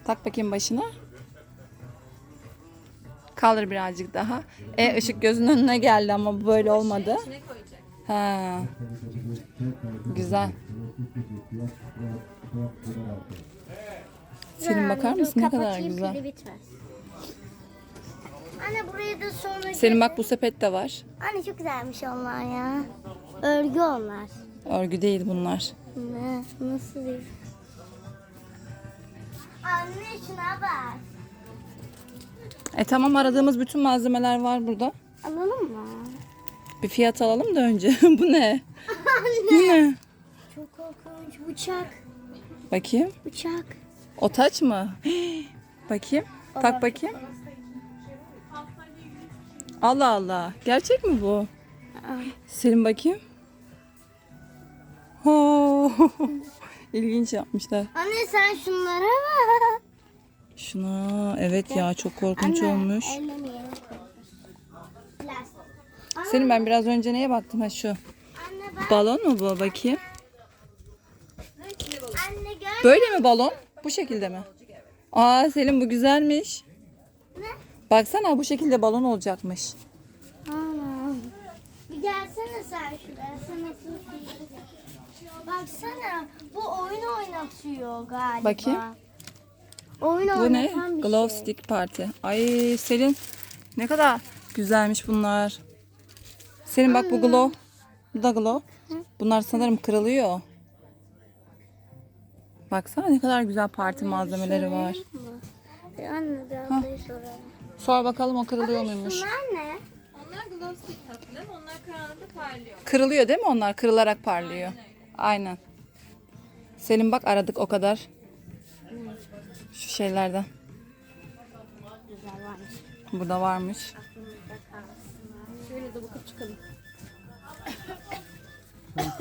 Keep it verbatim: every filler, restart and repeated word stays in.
Tak bakayım başına. Kaldır birazcık daha. E ışık gözünün önüne geldi ama bu böyle olmadı. Ha. Güzel. Selim bakar mısın ne kadar güzel. Anne buraya da sonra... Selim bak bu sepet de var. Anne çok güzelmiş onlar ya. Örgü onlar. Örgü değil bunlar. Ne? Nasıl değil? Anne şuna bak. E tamam aradığımız bütün malzemeler var burada. Alalım mı? Bir fiyat alalım da önce. Bu ne? Bu ne? Çok korkunç. Bıçak. Bakayım. Bıçak. O taç mı? Bakayım. Tak bakayım. Allah Allah. Gerçek mi bu? Selim bakayım. Oo. İlginç yapmışlar. Anne sen şunlara bak. Şuna evet ya çok korkunç Anne, olmuş. ellemeyelim. Plastik. Aa, Selim ben biraz önce neye baktım ha şu. Anne bak. Balon mu bu bakayım? Anne gör. Böyle mi balon? Bu şekilde mi? Aa Selim bu güzelmiş. Ne? Baksana bu şekilde balon olacakmış. Ana. Bir gelsene sen şuraya. Sen nasıl Baksana bu oyun oynatıyor galiba. Bakayım. Oyun Bu ne? oynatan bir Glow şey. Stick Party. Ay Selin ne kadar güzelmiş bunlar. Selin bak bu glow. Bu da glow. Bunlar sanırım kırılıyor. Baksana ne kadar güzel parti malzemeleri var. E, Anne bir ablayı soralım. Sor bakalım o kırılıyor muymuş? Bunlar ne? Onlar glow stick tatlı. Onlar karanlıkta parlıyor. Kırılıyor değil mi onlar? Kırılarak parlıyor. Aynen. Selin bak aradık o kadar. Şu şeylerden. Güzel varmış. Burada varmış. Şöyle de bakıp çıkalım.